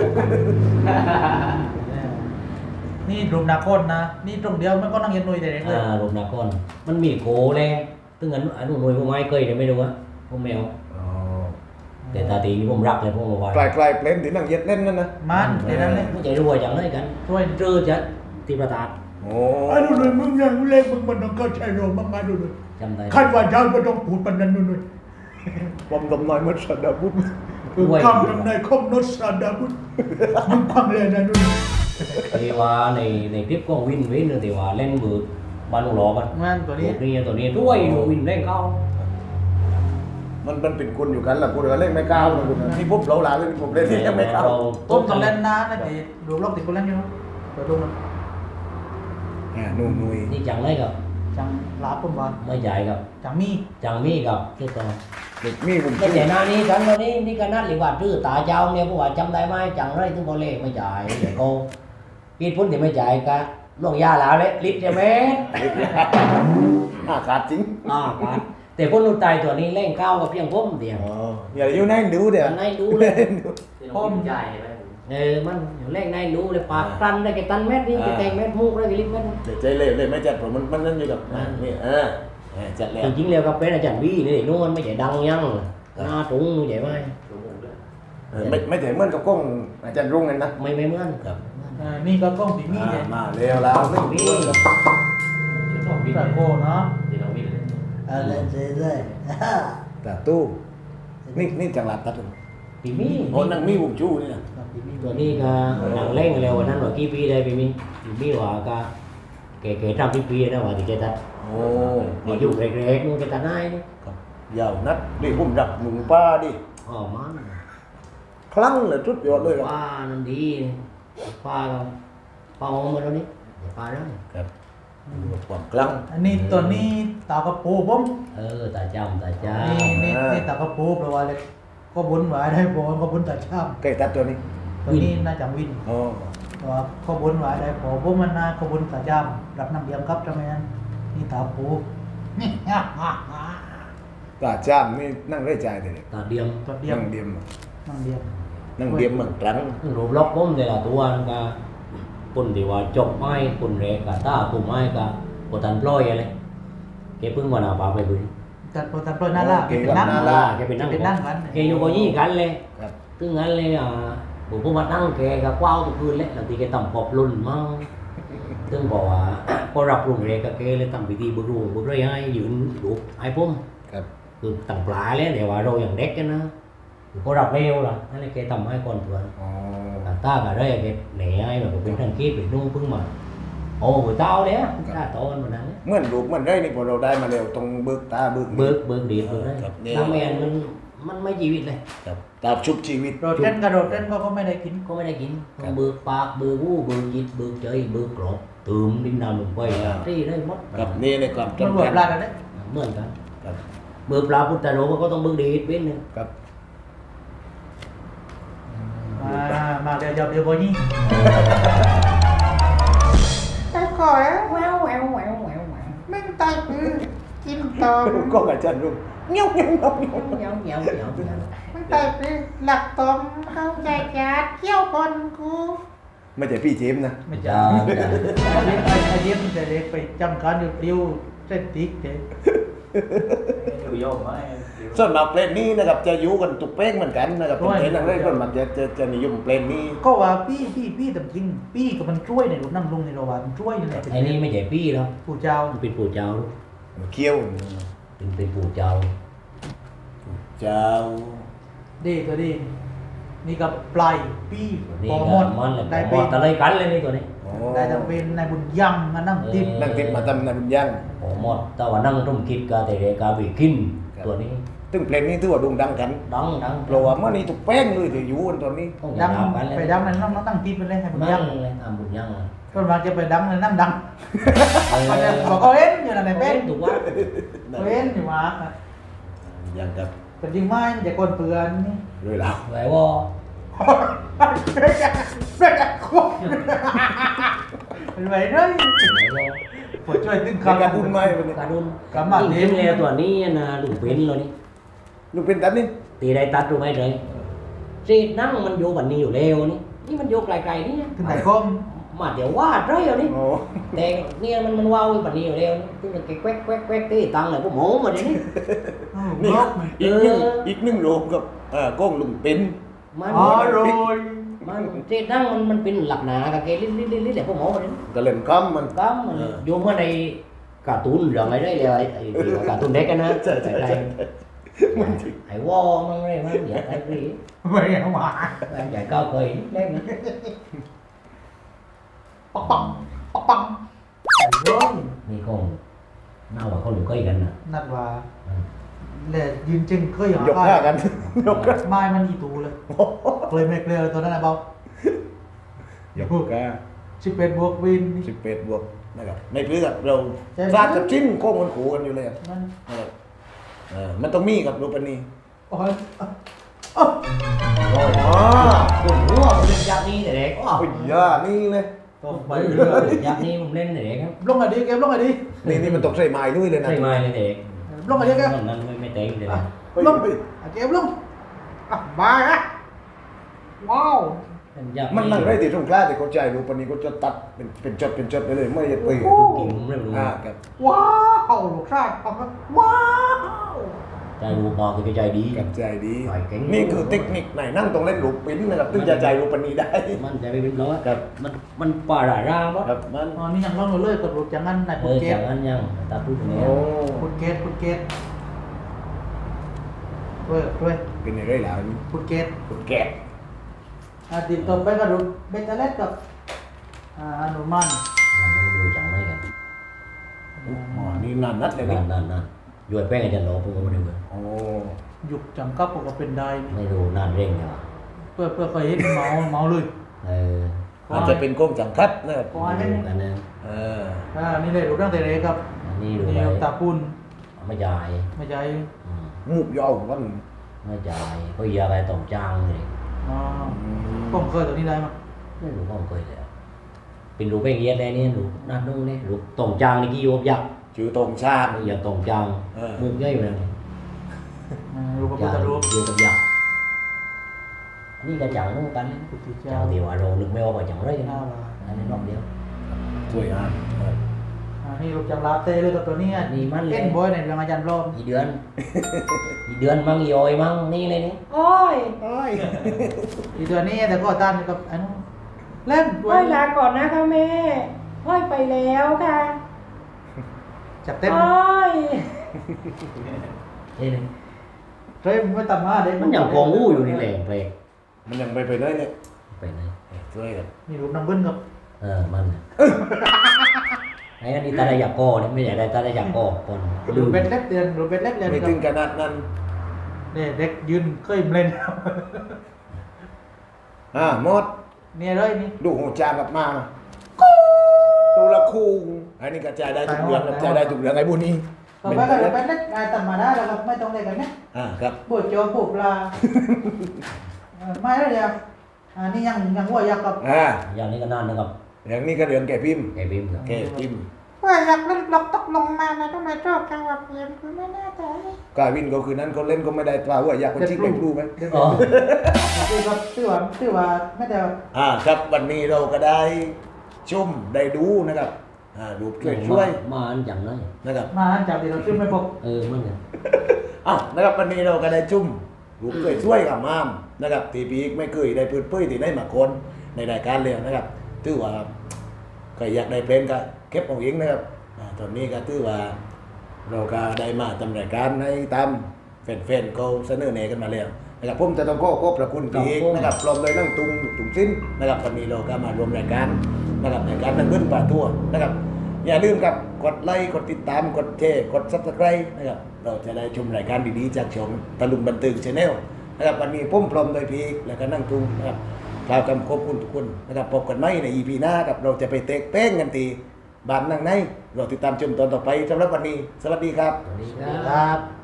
Speaker 5: นี่รูปนาคนนะนี่ตรงเดียวมันก็นั่งเย็นนุยแต่เด็กเลย
Speaker 1: อ่าลบนาคอนมันมีโกแรงตึงอันอันนู้นหน่วยพวกไม้เคยเนี่ยไม่รู้อะพวกแมว
Speaker 2: อ๋อ
Speaker 1: แต่ตาตีนี่ผมรักเลยพวกมาไว้
Speaker 2: กลายกลายเพลงที่นั่งเย็ดเล่นนั่นนะ
Speaker 5: มันเดี๋ยวนั้นเลย
Speaker 1: ไม่ใจรวยจังเลยกัน
Speaker 5: ช่วย
Speaker 1: เจอจะตีประตาด
Speaker 2: โอ้
Speaker 4: ไอ้ดูเลยมึงยังเล่นมึงมันต้องเข้าใจโรมมากๆดูเลย
Speaker 1: ใจำได้
Speaker 4: ขั้นว่าเจ้าไม่ต้องพูดปันนั้นนู่น
Speaker 2: ผมดมน้อยมันสดาบุญ
Speaker 4: คำทำนายคมนสาดาบุญมึงฟังเลยนะนู่น
Speaker 1: thìว่าในในคลิปของวินวินthìว่าเล่นมือบ้านลุงหล่อมัน
Speaker 5: มันตัวนี้
Speaker 1: ตัวนี้ตัวนี้ด้วยดูวินเล่นเข้า
Speaker 2: มันมันเป็นคนอยู่กันแหละกูเดี๋ยวเล่นไม่ก้าวนะคุณที่ปุ๊บเราลาเล่นผมเล่นที่ยังไม่ก้าว
Speaker 5: ต้มต้องเล่นนานนะแต่รวมล็อกติดคนเล่นอยู่เปิดดูมัน
Speaker 2: อ่านุ่นุย
Speaker 1: นี่จังเลยกับ
Speaker 5: จังลาปุ่มบอล
Speaker 1: ไม่ใหญ่กับ
Speaker 5: จังมี
Speaker 1: จังมีกับที่ตัว
Speaker 2: เด็กมีผม
Speaker 1: cái trẻ na đi cắn nó đi đi cắn nát liền quạt chứ tả cháu nghe cô bảo chăm tay mai chẳng đây tôi có lệ mới chạy để cô ít phút thì mới chạy cả luồng da là đấy lít cho mét
Speaker 2: อาขาดจริง
Speaker 1: à cả để phút nút tay tuổi đi lên caoกับเพียงผมเดียว
Speaker 2: อ๋ออย่าอยู่นั่งดูเดี๋ยว
Speaker 1: anh này đu lên ừมันอยู่เล่นในดูเลยปากตันได้cáiตันเม็ดđi cái tayเม็ดมูกได้cái lítเม็ด
Speaker 2: เดี๋ยวใจเล่เลยไม่จัดผมมันมันนั่นอยู่กับนี่เออจัดแล้ว
Speaker 1: thì chính liều cà phê là chẳng bi để luôn mới chạy đăng nhăng na trúng như vậy mai
Speaker 2: ไม่ไม่ถึงเหมือนกับกล้องอาจารย์รุ่งกันนะ
Speaker 1: mấy mấy mướn gặp
Speaker 5: อ่านี่ก็กล้องสีมีเลย
Speaker 2: มาเร็วแล้วไม่มี
Speaker 5: ตะโกเนาะ
Speaker 3: เออเล่นเรื่อย
Speaker 2: แต่ตู้นี่นี่จังหวัดตัด
Speaker 1: thì mi
Speaker 2: โอ้นั่งมีบุกจูนี่นะ
Speaker 1: ตัวนี้ก็หนังเล่งเร็วกว่านั้นว่ากี่ปีได้พี่มีมีว่าก็แก่แก่ทำที่ปีนะว่าที่จะตัด
Speaker 2: โอ้
Speaker 1: เดี๋ยวอยู่เล็กๆนู่นจะตัดได้นี่
Speaker 2: ยาวนัดดิผมรับหนุ่มป้าดิ
Speaker 1: อ๋อมัน
Speaker 2: คลั่งเลยชุดยอดเลยครับ
Speaker 1: ป้านั่นดีป้าก็ป้าหอมมาแล้วนี่ป้าแล้ว
Speaker 2: ครับความคลั่ง
Speaker 5: อันนี้ตัวนี้ตากระปูผม
Speaker 1: เออตาจำตาจ
Speaker 5: นี่นี่นี่ตากระปูแปลว่าเลยก็บุญไว้ได้พอก็บุญแต่ช่ำ
Speaker 2: ใกล้ตัดตัวนี้
Speaker 5: ตัวนี้น่าจะวิน
Speaker 2: โอ้
Speaker 5: ตัวก็บุญไว้ได้พอพวกมันน่าก็บุญแต่ช่ำรับน้ำเยี่ยมครับทำไมนั้นนี่ตาปูนี่
Speaker 2: ตาจ้ามนี่นั่งได้ใจเลย
Speaker 1: ำตาเดียม
Speaker 5: ตัวเดียว
Speaker 2: นั่งเดียม
Speaker 5: นั่งเดียว
Speaker 2: นั่งเดียมเหมือนครั้ง
Speaker 1: รูปล็อกผมแต่ละตัวนั่นก็ปุ่นที่ว่าจบไม้ปุ่นเรกกับตาปุ่นไม้กับปวดตันปล่อยอะไรแกเพิ่งวันอาปาไปบุญ
Speaker 5: แต่พอตัดปล่อยน่ารักเป็นนั่ง
Speaker 1: น่ารักแกเป็นนั่ง
Speaker 5: เป็นนั่งกัน
Speaker 1: แกอยู่ก็ยี่กันเลย
Speaker 2: ครับ
Speaker 1: ตึงงั้นเลยอ่ะผมพูดมาตั้งแกก็กว้าวทุกคืนเลยบางทีแกต่ำปอบลุ่นมั่งตึงบอกว่า พอรับลุงเรกกับแกเลยทำพิธีบุรุษบุรุษให้ยืนดูไอ้พุ่ม
Speaker 2: ครับ
Speaker 1: คือต่างปลาเลยเดี๋ยวว่าเราอย่างเด็กกันนะพอรับเร็วล่ะนั่นเลยแกทำให้ก่อนเพื่อน
Speaker 2: อ๋อ
Speaker 1: ตากับเรกแกเหนื่อยแบบเป็นทางคิดเป็นนุ่งพึ่งมาโอ้บุตรเต้าเลยตาโตกันมานั้น
Speaker 2: เหมื่อนรูปเหมื่อนได้นี่พอเราได้มาเร็วตรงเบิกตาเบิก
Speaker 1: เบิกเบิกดีเบิกได้
Speaker 2: ครับเนี่ย
Speaker 1: น้ำแมนมันมันไม่ชีวิตเลย
Speaker 2: ครับตาชุบชีวิต
Speaker 5: โดดเต้นกระโดดเต้นก็ก็ไม่ได้กิน
Speaker 1: ก็ไม่ได้กิน
Speaker 2: ครับ
Speaker 1: เบิกปากเบิกหูเบิกจิตเบิกใจเบิกกรอบตื่มดินดำลงไปที่ได้หมด
Speaker 2: ครับนี่ในความ
Speaker 5: มันรวม
Speaker 2: จำ
Speaker 5: ปลา
Speaker 2: กั
Speaker 5: กัน
Speaker 2: น
Speaker 5: ได้
Speaker 1: เหมือนกัน
Speaker 2: ครับ
Speaker 1: เบิกปลาพุทธโลก็ต้องเบิกดีเป็นหนึ่ง
Speaker 2: ครับ
Speaker 5: มามาเดี๋ยวเดี๋ยวเดี๋ยวบอยนี่
Speaker 3: ๆแต่ก่อน
Speaker 1: แววแววแววแววแวว
Speaker 3: แม่งตายปืนกินตอม
Speaker 2: ก็อาจารย์รุ่งเงี้ยวเงี้ยวเงี้ยวเงี้ยว
Speaker 1: เงี้ยวเงี้ยวเงี้ยวเงี้ยว
Speaker 3: แม่งตายปืนหลักตอมเข้าใจจัดเที่ยวคนกู
Speaker 2: ไม่ใช่พี่เจมส์นะ
Speaker 5: ไม่จ้าไอ้ไอ้เยี่ยมแต่เด็กไปจำการอยู่เดียวเส้นติ๊กเด็ก
Speaker 2: ส่วนมากเพลงนี้นะครับจะอยู่กันตุกเป้งเหมือนกันนะครับเป็นเพลงนั่งเล่นคนมันจะจะจะนิยมเพลงนี้
Speaker 5: ก็ว่าพี่พี่พี่แต่จริงพี่กับมันช่วยในรูปนั่งลงในโรงพยาบาลช่วยนี่แหละ
Speaker 1: ไอ้นี่ไม่ใช่พี่หรอก
Speaker 5: ผู้เจ้า
Speaker 1: มันเป็นปู่เจ้าลูก
Speaker 2: เคี้ยว
Speaker 1: เป็นเป็นปู่เจ้า
Speaker 2: เจ้า
Speaker 5: ดีตัวดีนี่กับปลายพี่
Speaker 1: นี่
Speaker 5: ปอ
Speaker 1: ก็
Speaker 5: มด
Speaker 1: มันเลย
Speaker 5: ได้
Speaker 1: หม
Speaker 5: เป็
Speaker 1: ด
Speaker 5: น
Speaker 1: ตะเลยกันเลยนี่ตัวนี้
Speaker 2: โอ้
Speaker 5: ได้แต่เป็นนายบุญยังมานั่งทิพย์
Speaker 2: นั่งติดมาทำนายบุญยัง
Speaker 1: โอ้หมดแต่ว่านั่งร่มคิดกาแต่เรกาบีกินตัวนี้
Speaker 2: ซึ่งเพลงนี้ถือว่าโด่งดังกัน
Speaker 1: ดังดัง
Speaker 2: เพราะว่าเมื่อนี้ตุกเป้งเลยจะอยู่กันตอนนี้
Speaker 1: ต้อง
Speaker 5: ดั
Speaker 1: ดั
Speaker 5: ง
Speaker 1: งกันเลย
Speaker 5: ไปดังนั้นน้องตั้งทิพย์ไปเลยให้บุญ
Speaker 1: ดั
Speaker 5: ยัง ง
Speaker 1: เลยทำบุญยังเลย
Speaker 5: ก็มาจะไปดังเลยนั่งดัง
Speaker 1: เออ
Speaker 5: มันจะบอกเขาเอ็นอยู่นั่นไหนเป็น
Speaker 1: ถูกว่า
Speaker 5: เขาเอ็นอยู่มา
Speaker 2: ยังกับ
Speaker 5: เป็นจริงไหมมันจะคนเปลือนนี่
Speaker 2: เลยเรา
Speaker 1: ไหวว่า
Speaker 5: เรื่องจะเรื่องจะควบเป็นไรเลย
Speaker 1: ไหวว่า
Speaker 5: ผมช่วยตึ้ง
Speaker 2: การ
Speaker 5: คำ
Speaker 2: การบุญไหมวันนี้
Speaker 1: การุน
Speaker 5: กำมัด
Speaker 1: จริงๆแล้วตัวนี้นะลุงเป็นเลยนี่
Speaker 2: ลูกเป็นตันนี่
Speaker 1: ตีได้ตัดรู้ไหมเลยจีนั่งมันอยู่บันนี้อยู่แล้วนี่นี่มันอยู่ไกลๆนี่
Speaker 5: ถึงไหนก้ม
Speaker 1: มาเดี๋ยววาดเลยเอานี่
Speaker 2: โอ้
Speaker 1: แต่เนี่ยมันมันว้าวบันนี้อยู่แล้วนี่คือมันแควกแควกแควกตีตังเลยพวกหมูมาเดี๋ยวนี้
Speaker 2: นี่
Speaker 5: ล็อกมัน
Speaker 2: อีกหนึ่งอีกหนึ่งโรงกับอ่ากล้องลุงเป็น
Speaker 1: มัน
Speaker 5: อ๋อโรย
Speaker 1: มันจีนั่งมันมันเป็นหลักหนากับแกลิ้นลิ้นลิ้นลิ้นแหละพวกหมูมาเดี๋ยวนี้
Speaker 2: ก็เล่นคำมัน
Speaker 1: ก็มันอยู่เมื่อในการ์ตูนเรื่องอะไรได้เลยไอ้ไอ้ที่ว่าการ์ตูนเด็กกันนะ
Speaker 2: ใช่ใช่ใช่ มันจริง
Speaker 1: ไอ้วอมันอะไรมันอยากไอ้พี่
Speaker 5: ไม่เอามา
Speaker 1: ไอ้ใหญ่caoเคยเล็กนะ
Speaker 5: ปักปักปักปักโอ้ย
Speaker 1: นี่คงน่าว่าเขาหลุดก้อยกันนะ
Speaker 5: นั่นว่าเลยยืนจึงเคยห
Speaker 2: ยกท่ากันยกกัน
Speaker 5: ไม้มันอีตูเลยเลยไม่เกลียวตัวนั้นนะเบาย
Speaker 2: กก้า
Speaker 5: สิบเอ็ดบวกวิน
Speaker 2: สิบเอ็ดบวกนะครับในพื้นกับเรา
Speaker 5: ใช่ไหม
Speaker 2: ฟาดกับชิ้นโค้งมันขู่กันอยู่เลยอะ
Speaker 5: มัน
Speaker 2: นะครับเออมันต้องมีกับรูปนี
Speaker 5: โอ้ยอ๋อ
Speaker 1: โอ้ย
Speaker 2: อ๋อ
Speaker 1: ผมรู้ว่าผมเล่นยักษ์นี่แต่เด็กอ๋อ
Speaker 2: โอ้ยยานี่เลย
Speaker 5: ต้องไป
Speaker 1: ไป
Speaker 5: เรื่
Speaker 1: เรื่
Speaker 5: อ
Speaker 1: อย ยยักษ์นี่ผมเล่นแต่เด็กครับ
Speaker 5: ลงมาดิเกมลงมาดิ
Speaker 2: นี่นี่มันตกใส่ไม้ด้วยเลยนะ
Speaker 1: ใช่ไหมเลยเด็ก
Speaker 5: ลงมาดิเกม
Speaker 1: นั่นนั้นไม่ไม่เต็งเลยนะ
Speaker 2: เฮ้ย
Speaker 5: ลง
Speaker 2: เฮ้ย
Speaker 5: อ่ะเกมลงอ่ะบายฮะว้าว
Speaker 1: เล่นยักษ์
Speaker 2: มันนั่งได้ที่ตรงกลางที่เขาใจรูปนีก็จะตัดเป็นเป็นจดเป็นจดไปเลยไม่ได้ตี
Speaker 1: ทุกทีมผมเล่นรู้
Speaker 2: อ่าครับ
Speaker 5: ว้าวลูกชายฟังครับว้าว
Speaker 1: ใจรู้บอกคือใจดี
Speaker 2: กับใจดี
Speaker 1: ปล่อยเก่ง
Speaker 2: นี่คือเทคนิคไหนนั่งตรงเล่นรูปปิ้นนะครับถึงจะใจรูปนีได้
Speaker 1: มันใจไปเป็นร้อย
Speaker 2: ครับ
Speaker 1: มันมันป่าหลายร่างวะ
Speaker 2: ครับมัน
Speaker 5: อ๋อนี่ยังร้องอยู่เลยกดรูปจังงั้นนาย
Speaker 1: เอ
Speaker 5: พุท
Speaker 1: อ
Speaker 5: เก
Speaker 1: จา
Speaker 5: ต
Speaker 1: กนั้นยังตาพูดตรงนี้
Speaker 2: โอ้
Speaker 5: พุทเกตพุทเกตด้วยด้วย
Speaker 2: เป็นยังไงล่ะ
Speaker 5: พุทเกต
Speaker 2: คุณแกะ
Speaker 5: อ่ะติดต่อไปกับรูปเบตเตอร์เล็กกับอ่าอนุมัน
Speaker 1: มันไม่ดูจังไม่กัน
Speaker 2: อ๋อนี่นานนัดเลยนี่
Speaker 1: นั่นนั่นนั่นย้วยแป้งอาจารย์โลผมก็ไม่ดูเลย
Speaker 2: โอ้
Speaker 5: หยุกจังกับก็เป็นได้นี่
Speaker 1: ไม่ดูนานเร่งเนี่ยวะ
Speaker 5: เพื่อเพื่อเคยเห็นเมาเมาเลย
Speaker 1: เออ
Speaker 2: อาจจะเป็นกล้องจังคัดนะครับ
Speaker 5: อ๋ออันนี้
Speaker 1: ดูกันนะ
Speaker 2: เออ
Speaker 5: อ่านี่เลยรูปร่างเตเรครับ
Speaker 1: อันนี้ดู
Speaker 5: นี่
Speaker 1: ไป
Speaker 5: ตาปุน
Speaker 1: ไม่จ่าย
Speaker 5: ไม่ใช่
Speaker 1: อืม
Speaker 2: มูบยาววัน
Speaker 1: ไม่จ่ายเพราะยาอะไรต้องจ้างเลย
Speaker 5: อ๋อผมเคยตัวนี้ได้มั้ย
Speaker 1: ไม่รู้พ่อเคยเลยอะเป็นรูปแป้งเยียดได้นี่รูปนั่นนู่นนี่รูปต้องจ้างนี่กี่โยบยักษ์
Speaker 2: ชื่อตรงชาติ
Speaker 1: อย่าต้องจ้าง
Speaker 2: เออ
Speaker 1: มุกย่อยอยู่เลย
Speaker 5: อ่ารูปพระ
Speaker 1: จ้า
Speaker 5: พุท
Speaker 1: ง
Speaker 5: ธรูป
Speaker 1: อยู่กับยักษ์นี่ก็จ้างนู่นกันนะ
Speaker 5: พุทธ
Speaker 1: จ้า
Speaker 5: เจ้าง
Speaker 1: ที่ว่าเรานึกไม่ออกว่าจ้างไรกัน
Speaker 5: หน้า
Speaker 1: นะ
Speaker 5: ลา
Speaker 1: อันนี้รอบเดียว
Speaker 2: สวยงามเออ
Speaker 5: อ่านี่รูปจังลาเต้เลยกับตัวนี้อ่ะ
Speaker 1: นี่มันเลย
Speaker 5: เล่นบอยในเรื่องอาจารย์รอบ
Speaker 1: อีเดือน อีเดือนมั่งอีออยมั่งนี่เลยนี่
Speaker 5: โอ้ยโอ้ยอีตัวนี้แต่ก็ต้านกับอันนู้นเล่น
Speaker 3: ไหว้ลาก่อนนะคะแม่ไหว้ไปแล้วค่ะ
Speaker 5: จับเต็ม
Speaker 3: โอ้ย
Speaker 1: นี่เลย
Speaker 5: เต็มไม่ต่ำมาเด็ก
Speaker 1: มันอย่างกองอู้อยู่นี่แหละเพลง
Speaker 2: มันยังไปไปได้เนี่ย
Speaker 1: ไปไหน
Speaker 2: ช่วยกัน
Speaker 5: นี่รูปนางเบิ้ลกับ
Speaker 1: เออมันน่ะไอ้อันนี้ตาได้อยากกอเนี่ยไม่ใช่ได้ตาได้อยากกอคน
Speaker 5: รูปเบ็ดเล็กเดือนรูปเบ็ดเล็กเดือน
Speaker 2: ไม่
Speaker 5: กั
Speaker 2: ถึ
Speaker 5: บ
Speaker 2: งขนาดนั้น
Speaker 5: เนี่ยเด็กยืนเคยเล่น
Speaker 2: อ่าหมด
Speaker 5: เนี่ยเลยนี่
Speaker 2: ดูหัวจานกลับมาตูละคุงอันนี้กระจายได้ทุกเรื่องกระจายได้ทุกเรื่องไอ้บุญนี้
Speaker 5: ต่อไปก็รูปเบ็ดเล็กไอ้ต่ำมาได้แล้วก็ไม่ต้องเล่นกันนะ
Speaker 2: อ่าครับ
Speaker 5: ปวดโจมปวดปลาเออไม่แล้วเดียวอันนี้ยังยังหัวยักษ์กับ
Speaker 2: อ่า
Speaker 1: อย่างนี้ก็นานนะครับ
Speaker 2: อย่างนี้ก็เรื่องแก่พิมพ์
Speaker 1: ไอ้บิมครับ
Speaker 2: แก่พิมพ์
Speaker 3: ว่าอยากเล่นบล็อกตกลงมานะทำไมชอบจังหวะเปลี่ยนคือไม่แน่ใจ
Speaker 2: กาวินก็คือนั้นเขาเล่นก็ไม่ได้ตราว่าอยากคนชี้ไปดูไหม
Speaker 5: เดี๋ยว
Speaker 1: อ๋อ
Speaker 5: คือว่าคือว่าคือว่าไม่แต่
Speaker 2: อ่าครับวันนี้เราก็ได้ชมได้ดูนะครับอ่าดูช่วยช่วย
Speaker 1: มาอันจังเลย
Speaker 2: นะครับ
Speaker 5: มาจากที่เราชื่อไม่พบ
Speaker 1: เออมันเนี่ย
Speaker 2: อ้าวนะครับวันนี้เราก็ได้ชุ่มรูปช่วยช่วยกับมามนะครับตีปีกไม่เคยได้พื้นเผยที่ได้มาคนในรายการเลยนะครับถือว่าใครอยากได้เพลงก็เก็บเอาเองนะครับอ่าตอนนี้ก็ถือว่าเราก็ได้มาทำรายการให้ตามแฟนๆเขาเสนอแนะกันมาแล้วนะครับผมจะต้องขอขอบพระคุณพี่เอกนะครับพร้อมเลยนั่งตุงตุงสิ้นนะครับวันนี้เราก็มารวมรายการนะครับรายการนั่งเงินป่าทั่วนะครับอย่าลืมครับกดไลค์กดติดตามกดแชร์กดซับสไครต์นะครับเราจะได้ชมรายการดีๆจากช่องตะลุมบันเทิงชาแนลนะครับวันนี้ผมพร้อมโดยพี่เอกแล้วก็นั่งตุงนะครับกล่าวคำขอบคุณทุกคนนะครับพบกันใหม่ใน อี พี หน้าครับเราจะไปเตะเป้งกันตีบ้านนั่งในเราติดตามชมตอนต่อไปสำหรับวันนี้สวัสดีครับ
Speaker 1: สวัสดีค
Speaker 5: ค
Speaker 1: รั
Speaker 5: รับ บ